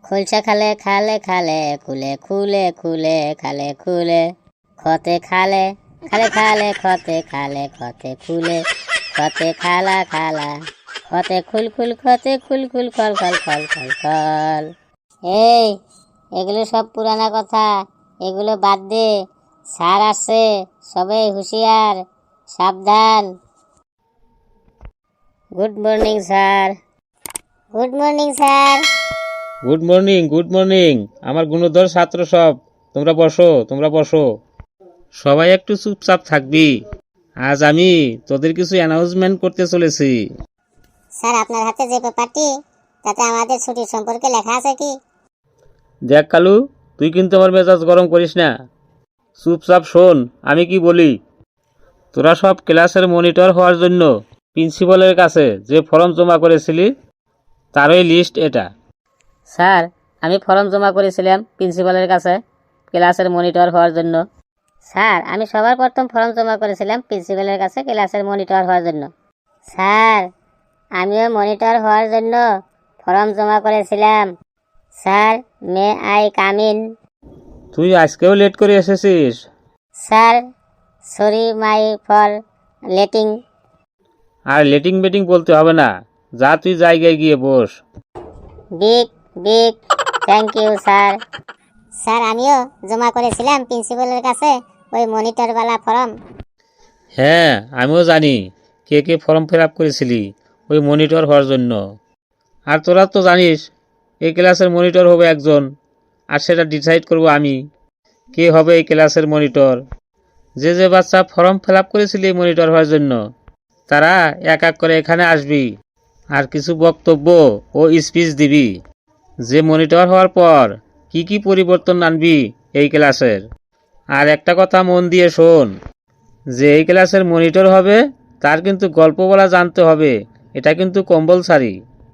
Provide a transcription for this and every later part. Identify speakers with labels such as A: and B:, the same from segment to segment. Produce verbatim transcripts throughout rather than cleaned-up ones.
A: খুলছে খালে খালে খালে খুলে খুলে খুলে খালে খুলে খতে খালে খালে খালে খতে খালে খতে খুলে খতে খালা খালা খতে খুল খুল খতে খুল খুল খল খল খল খল খল। এই এগুলো সব পুরানা কথা, এগুলো বাদ দে। স্যার আসছে, সবাই হুঁশিয়ার, সাবধান। Good morning sir. Good morning sir.
B: Good morning good morning আমার গুণধর ছাত্র সব, তোমরা বসো তোমরা বসো। সবাই একটু চুপচাপ থাকবি, আজ আমি তোদের কিছু অ্যানাউন্সমেন্ট করতে চলেছি।
A: স্যার, আপনার হাতে যে পেপারটি, তাতে আমাদের ছুটির সম্পর্কে লেখা আছে কি?
B: দেখ কালু, তুই কিন্তু আমার মেজাজ গরম করিস না, চুপচাপ শোন আমি কি বলি। তোরা সব ক্লাসের মনিটর হওয়ার জন্য প্রিন্সিপালের কাছে যে ফর্ম জমা করেছিলি, তারই লিস্ট এটা।
A: স্যার, আমি ফর্ম জমা করেছিলাম প্রিন্সিপালের কাছে ক্লাসের মনিটর হওয়ার জন্য। স্যার, আমি সবার প্রথম ফর্ম জমা করেছিলাম প্রিন্সিপালের কাছে ক্লাসের মনিটর হওয়ার জন্য। স্যার, আমিও মনিটর হওয়ার জন্য ফর্ম জমা করেছিলাম। Sir, may I come in?
B: তুই আজকেও লেট করে এসেছিস।
A: Sir, sorry my for letting.
B: আর লেটিং বেটিং বলতে হবে না, যা তুই জায়গায় গিয়ে বস।
A: Big big thank you sir. Sir, আমিও জমা করেছিলাম প্রিন্সিপালের কাছে ওই মনিটরওয়ালা ফর্ম।
B: হ্যাঁ, আমিও জানি কে কে ফর্ম ফিল আপ করেছিলি ওই মনিটর হওয়ার জন্য। আর তোরা তো জানিস এই ক্লাসের মনিটর হবে একজন, আর সেটা ডিসাইড করব আমি কে হবে এই ক্লাসের মনিটর। যে যে বাচ্চা ফর্ম ফিল আপ করেছিলি এই মনিটর হওয়ার জন্য, তারা এক এক করে এখানে আসবি আর কিছু বক্তব্য ও স্পিচ দিবি, যে মনিটর হওয়ার পর কি কি পরিবর্তন আনবি এই ক্লাসের। আর একটা কথা মন দিয়ে শোন, যে এই ক্লাসের মনিটর হবে তার কিন্তু গল্প বলা জানতে হবে, এটা কিন্তু কম্পালসারি।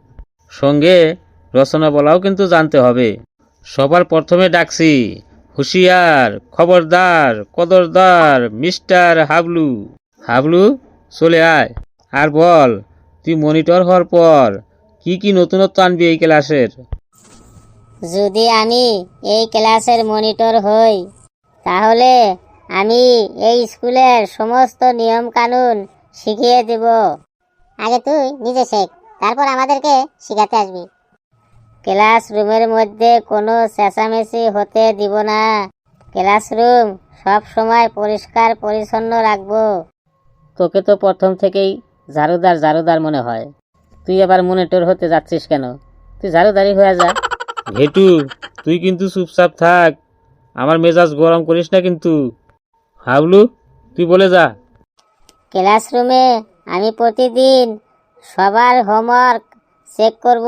B: সঙ্গে রচনা বলাও কিন্তু জানতে হবে। সবার প্রথমে ডাকছি, হুঁশিয়ার, খবরদার, কদরদার, মিস্টার হাবলু। হাবলু, চলে আয় আর বল তুই মনিটর হওয়ার পর কি কি নতুনত্ব আনবি এই ক্লাসের।
A: যদি আমি এই ক্লাসের মনিটর হই, তাহলে আমি এই স্কুলের সমস্ত নিয়ম কানুন শিখিয়ে দেব। আগে তুই নিজে শেখ, তারপর আমাদেরকে শিখাতে আসবি। ক্লাসরুমের মধ্যে কোনো চেঁচামেচি হতে দিব না। ক্লাসরুম সব সময় পরিষ্কার পরিচ্ছন্ন রাখবো। তোকে তো প্রথম থেকেই ঝাড়ুদার ঝাড়ুদার মনে হয়, তুই আবার মনিটর হতে যাচ্ছিস কেন? তুই ঝাড়ুদারি হয়ে যা।
B: ঘেটু, তুই কিন্তু চুপচাপ থাক, আমার মেজাজ গরম করিস না কিন্তু। হাবলু, তুই বলে যা।
A: ক্লাসরুমে আমি প্রতিদিন সবার হোমওয়ার্ক চেক করব।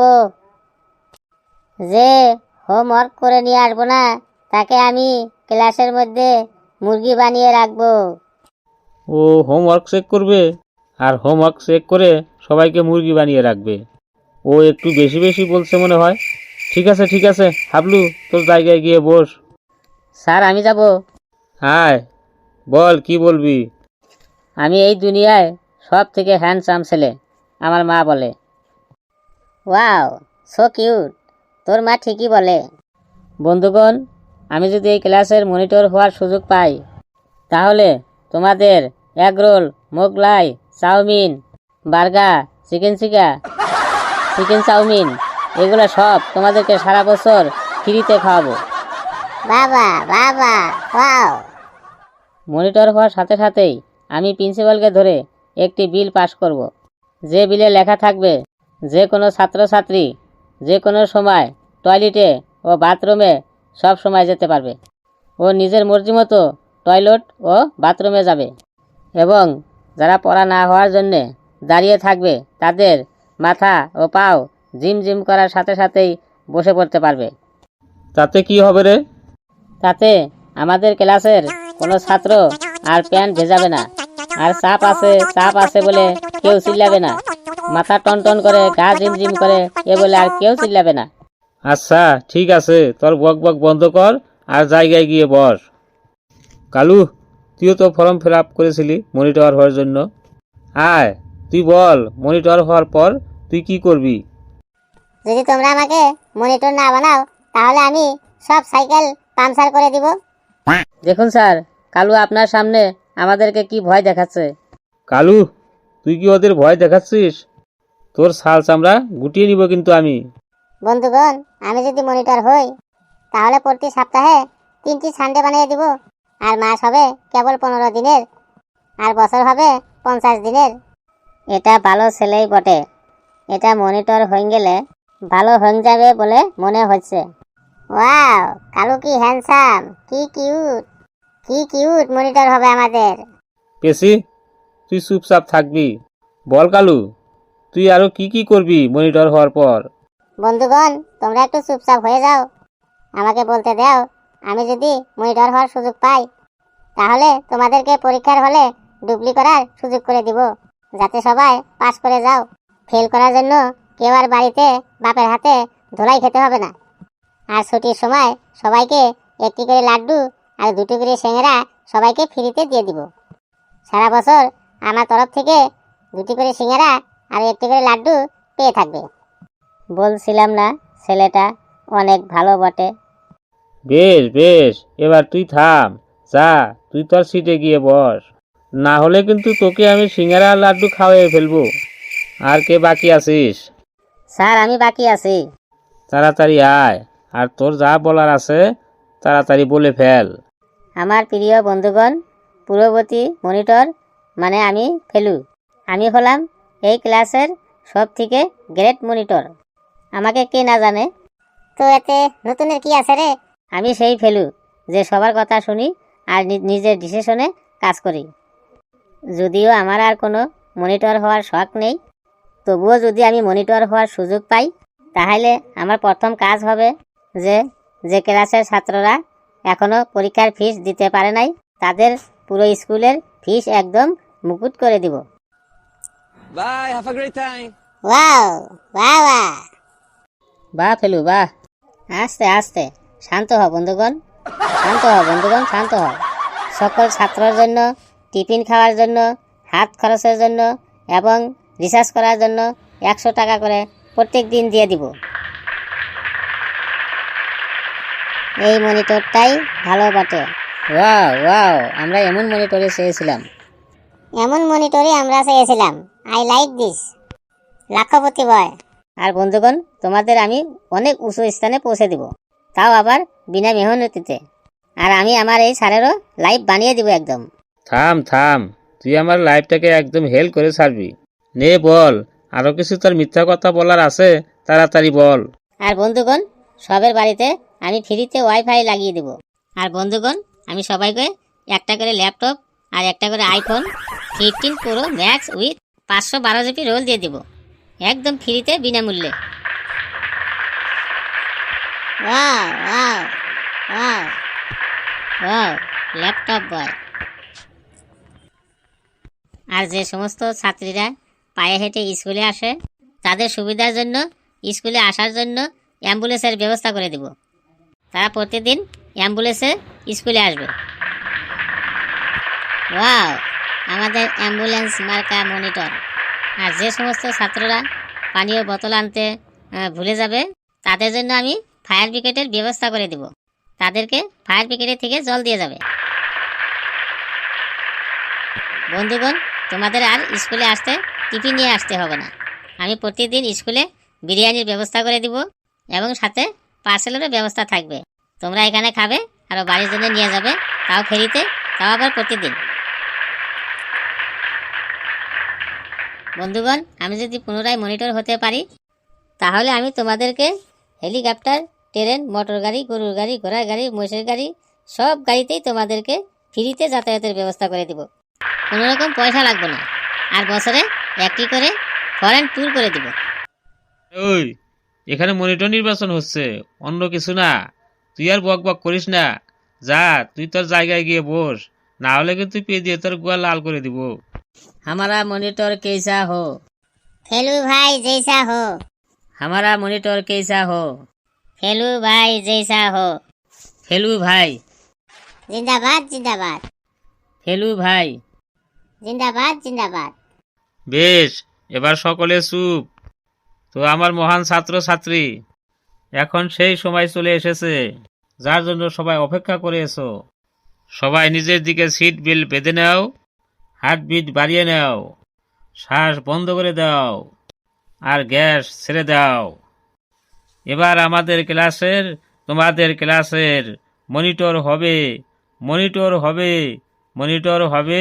A: যে হোমওয়ার্ক করে নিয়ে আসবো না, তাকে আমি ক্লাসের মধ্যে মুরগি বানিয়ে রাখবো।
B: ও হোমওয়ার্ক চেক করবে, আর হোমওয়ার্ক চেক করে সবাইকে মুরগি বানিয়ে রাখবে। ও একটু বেশি বেশি বলছে মনে হয়। ঠিক আছে ঠিক আছে হাবলু, তোর জায়গায় গিয়ে বস।
A: স্যার, আমি যাব।
B: হায়, বল কি বলবি।
A: আমি এই দুনিয়ায় সব থেকে হ্যান্ডসাম ছেলে, আমার মা বলে। Wow, so cute. তোর মা ঠিকই বলে। বন্ধুগণ, আমি যদি এই ক্লাসের মনিটর হওয়ার সুযোগ পাই, তাহলে তোমাদের egg roll, Mughlai, chowmein, burger, chicken চিকা চিকেন চাউমিন এগুলো সব তোমাদেরকে সারা বছর ফ্রিতে খাওয়াবো। বাবা বাবা, ওয়াও। মনিটর হওয়ার সাথে সাথেই আমি প্রিন্সিপালকে ধরে একটি বিল পাস করব, যে বিলে লেখা থাকবে যে কোনো ছাত্রছাত্রী যে কোনো সময় টয়লেটে ও বাথরুমে সব সময় যেতে পারবে। ও নিজের মর্জি মতো টয়লেট ও বাথরুমে যাবে, এবং যারা পড়া না হওয়ার জন্যে দাঁড়িয়ে থাকবে, তাদের মাথা ও পাও জিম জিম করার সাথে সাথেই বসে পড়তে পারবে।
B: তাতে কি হবে রে?
A: তাতে আমাদের ক্লাসের কোনো ছাত্র আর প্যান্ট ভেজাবে না, আর চাপ আছে চাপ আছে বলে কেউ চিল্লাবে না, মাথা টন টন করে গা জিম জিম করে এ বলে আর কেউ চিল্লাবে না।
B: আচ্ছা ঠিক আছে, তোর বক বক বন্ধ কর আর জায়গায় গিয়ে বস। কালু, তুইও তো ফর্ম ফিল আপ করেছিলি মনিটর হওয়ার জন্য। আয়, তুই বল মনিটর হওয়ার পর তুই কি করবি।
A: যদি তোমরা আমাকে মনিটর না বানাও,
C: তাহলে আমি সব সাইকেল পাংচার করে দিব।
A: দেখুন স্যার, কালু আপনার সামনে আমাদেরকে কি ভয় দেখাচ্ছে।
B: কালু, তুই কি ওদের ভয় দেখাচ্ছিস? তোর ছাল চামড়া গুটিয়ে নিব কিন্তু আমি।
C: বন্ধুগণ, আমি যদি মনিটর হই তাহলে প্রতি সপ্তাহে তিনটি সানডে বানিয়ে দিব, আর মাস হবে কেবল পনেরো দিনের, আর বছর হবে পঞ্চাশ দিনের।
A: এটা ভালো ছেলেই বটে। এটা মনিটর হয়ে গেলে ভালো হয়ে যাবে বলে মনে হচ্ছে।
C: ওয়াও, কালু কি হ্যান্ডসাম, কি কিউট, কি কিউট মনিটর হবে আমাদের।
B: পেশি, তুই চুপচাপ থাকবি? বল কালু, তুই আরো কি কি করবি মনিটর হওয়ার পর?
C: বন্ধুগণ, তোমরা একটু চুপচাপ হয়ে যাও, আমাকে বলতে দাও। আমি যদি মনিটর হওয়ার সুযোগ পাই তাহলে তোমাদেরকে পরীক্ষার হলে ডুবলি করার সুযোগ করে দিব, যাতে সবাই পাস করে যাও। ফেল করার জন্য কেউ আর বাড়িতে বাপের হাতে ধোলাই খেতে হবে না। আর ছুটির সময় সবাইকে একটি করে লাড্ডু আর দুটি করে সিঙ্গারা সবাইকে ফ্রিতে দিয়ে দিব। সারা বছর আমার তরফ থেকে দুটি করে সিঙ্গারা আর একটি করে লাড্ডু পেয়ে থাকবে।
A: বলছিলাম না ছেলেটা অনেক ভালো বটে।
B: বেশ বেশ, এবার তুই থাম, যা তুই তোর সিটে গিয়ে বস, না হলে কিন্তু তোকে আমি সিঙ্গারা আর লাড্ডু খাওয়াই ফেলবো। আর কে বাকি আছিস?
A: স্যার, আমি বাকি আছি।
B: তাড়াতাড়ি আয়, আর তোর যা বলার আছে তাড়াতাড়ি বলে ফেল।
A: আমার প্রিয় বন্ধুগণ, পূর্ববর্তী মনিটর মানে আমি ফেলু। আমি হলাম এই ক্লাসের সব থেকে গ্রেট মনিটর। আমাকে কে না জানে?
C: তো এতে নতুনের কি আছে রে?
A: আমি সেই ফেলু যে সবার কথা শুনি আর নি- নিজের ডিসিশনে কাজ করি। যদিও আমার আর কোনো মনিটর হওয়ার শখ নেই, তবুও যদি আমি মনিটর হওয়ার সুযোগ পাই তাহলে আমার প্রথম কাজ হবে যে যে ক্লাসের ছাত্ররা এখনও পরীক্ষার ফিস দিতে পারে নাই তাদের পুরো স্কুলের ফিস একদম মুকুট করে দিব।
D: Bye. Have a great time.
C: Wow, বাহ বাহ।
A: বাহ ফেলু বাহ। আস্তে আস্তে, শান্ত হ বন্ধুগণ, শান্ত হ বন্ধুগণ, শান্ত হ। সকল ছাত্রের জন্য টিফিন খাওয়ার জন্য, হাত খরচের জন্য এবং রিসার্চ করার জন্য একশো টাকা করে প্রত্যেক দিন দিয়ে দিব। এই মনিটরটাই ভালো বটে। ওয়াও ওয়াও, আমরা এমন মনিটরে চেয়েছিলাম।
C: এমন মনিটরই আমরা চেয়েছিলাম। I like this. লাখপতি বয়।
A: আর বন্ধুগণ, তোমাদের আমি অনেক উঁচু স্থানে পৌঁছে দিব, তাও আবার বিনা মেহনতিতে। আর আমি আমার এই স্যারেরও লাইভ বানিয়ে দিব একদম।
B: থাম থাম, তুই আমার লাইফটাকে একদম হেল করে ছাড়বি। নে বল, আরো কিছু তোর মিথ্যা কথা বলার আছে, তাড়াতাড়ি বল।
A: আর বন্ধুগণ, সবের বাড়িতে আমি ফ্রিতে ওয়াইফাই লাগিয়ে দেব। আর বন্ধুগণ, আমি সবাইকে একটা করে ল্যাপটপ আর একটা করে iPhone fifteen Pro Max with পাঁচশো বারো জিবি রোল দিয়ে দেব, একদম ফ্রিতে বিনামূল্যে।
C: Wow wow wow.
A: Wow, laptop boy. আর যে সমস্ত ছাত্রীরা পায়ে হেঁটে স্কুলে আসে তাদের সুবিধার জন্য স্কুলে আসার জন্য অ্যাম্বুলেন্সের ব্যবস্থা করে দেব। তারা প্রতিদিন অ্যাম্বুলেন্সে স্কুলে আসবে। ওয়াও, আমাদের অ্যাম্বুলেন্স মার্কা মনিটর। আর যে সমস্ত ছাত্ররা পানীয় বোতল আনতে আহ, ভুলে যাবে তাদের জন্য আমি ফায়ার ব্রিগেডের ব্যবস্থা করে দেব। তাদেরকে ফায়ার ব্রিগেডের থেকে জল দিয়ে যাবে। বন্ধুগণ, তোমাদের আর স্কুলে আসতে টিফিন নিয়ে আসতে হবে না। আমি প্রতিদিন স্কুলে বিরিয়ানির ব্যবস্থা করে দিব এবং সাথে পার্সেলেরও ব্যবস্থা থাকবে। তোমরা এখানে খাবে আর বাড়ির জন্য নিয়ে যাবে, তাও ফেরিতে, তাও আবার প্রতিদিন। বন্ধুগণ, আমি যদি পুনরায় মনিটর হতে পারি তাহলে আমি তোমাদেরকে হেলিকপ্টার, ট্রেন, মোটর গাড়ি, গরুর গাড়ি, ঘোড়ার গাড়ি, মহিষের গাড়ি সব গাড়িতেই তোমাদেরকে ফ্রিতে যাতায়াতের ব্যবস্থা করে দিব। কোনো রকম পয়সা লাগবে না। আর বছরে একটি করে ফরেন ট্যুর করে দিব।
B: ওই, এখানে মনিটর নির্বাচন হচ্ছে, অন্য কিছু না। তুই আর বক বক করিস না, যা তুই তোর জায়গায় গিয়ে বস, না হলে কিন্তু পে দিয়ে তোর গুয়া লাল করে দিব।
A: हमारा मॉनिटर कैसा हो?
C: फेलू भाई जैसा हो।
A: हमारा मॉनिटर कैसा हो?
C: फेलू भाई जैसा हो।
A: फेलू भाई,
C: जिंदाबाद जिंदाबाद।
A: फेलू भाई।
C: जिंदाबाद जिंदाबाद।
B: বেশ, এবার সকলে চুপ। তো আমার মহান ছাত্র ছাত্রী, এখন সেই সময় চলে এসেছে যার জন্য সবাই অপেক্ষা করে এসো। সবাই নিজের দিকে সিট বেল্ট বেঁধে নাও, হার্টবিট বাড়িয়ে নাও, শ্বাস বন্ধ করে দাও আর গ্যাস ছেড়ে দাও। এবার আমাদের ক্লাসের তোমাদের ক্লাসের মনিটর হবে, মনিটর হবে, মনিটর হবে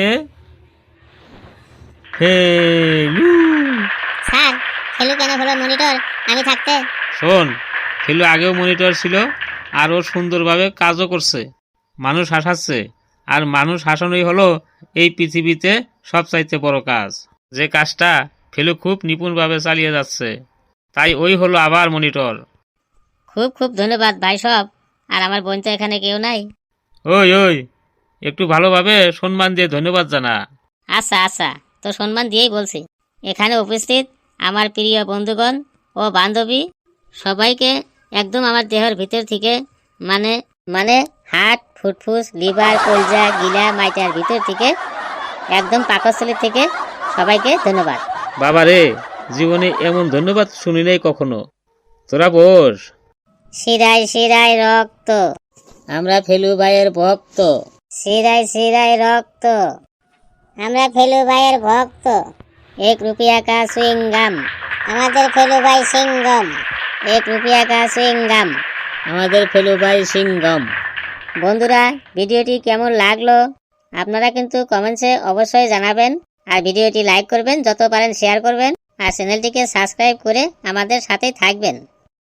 B: ফেলু।
C: স্যার, ফেলু কেন হলো মনিটর আমি থাকতে?
B: শোন, ফেলু আগেও মনিটর ছিল, আরও সুন্দরভাবে কাজও করছে, মানুষ হাসাচ্ছে। আর মানুষ হাসানোই হলো এই পৃথিবীতে সবচাইতে বড় কাজ। যে কাজটা ফেলু খুব নিপুণভাবে চালিয়ে যাচ্ছে, তাই ওই হলো আবার মনিটর।
A: খুব খুব ধন্যবাদ ভাই সব। আর আমার বোন তো এখানে কেউ নাই।
B: ওই ওই একটু ভালোভাবে সম্মান দিয়ে ধন্যবাদ জানা।
A: আচ্ছা আচ্ছা, তো সম্মান দিয়েই বলছি। এখানে উপস্থিত আমার প্রিয় বন্ধুগণ ও বান্ধবী সবাইকে একদম আমার দেহের ভিতর থেকে মানে মানে হার্ট, ফুটফুস, লিভার, কলজা, গিলা, মাইটার ভিতর থেকে একদম পাকস্থলী থেকে সবাইকে ধন্যবাদ।
B: বাবা রে, জীবনে এমন ধন্যবাদ শুনি নাই কখনো। তোরা বস।
C: শিরায় শিরায় রক্ত,
A: আমরা ফেলু ভাইয়ের ভক্ত।
C: শিরায় শিরায় রক্ত, আমরা ফেলু ভাইয়ের ভক্ত।
A: এক রুপিয়া কা সুইংগাম,
C: আমাদের ফেলু ভাই সিংগম,
A: এক রুপিয়া কা সুইংগাম, আমাদের ফেলু ভাই সিংগম। বন্ধুরা, ভিডিওটি কেমন লাগলো আপনারা কিন্তু কমেন্টসে অবশ্যই জানাবেন। আর ভিডিওটি লাইক করবেন, যত পারেন শেয়ার করবেন, আর চ্যানেলটিকে সাবস্ক্রাইব করে আমাদের সাথেই থাকবেন।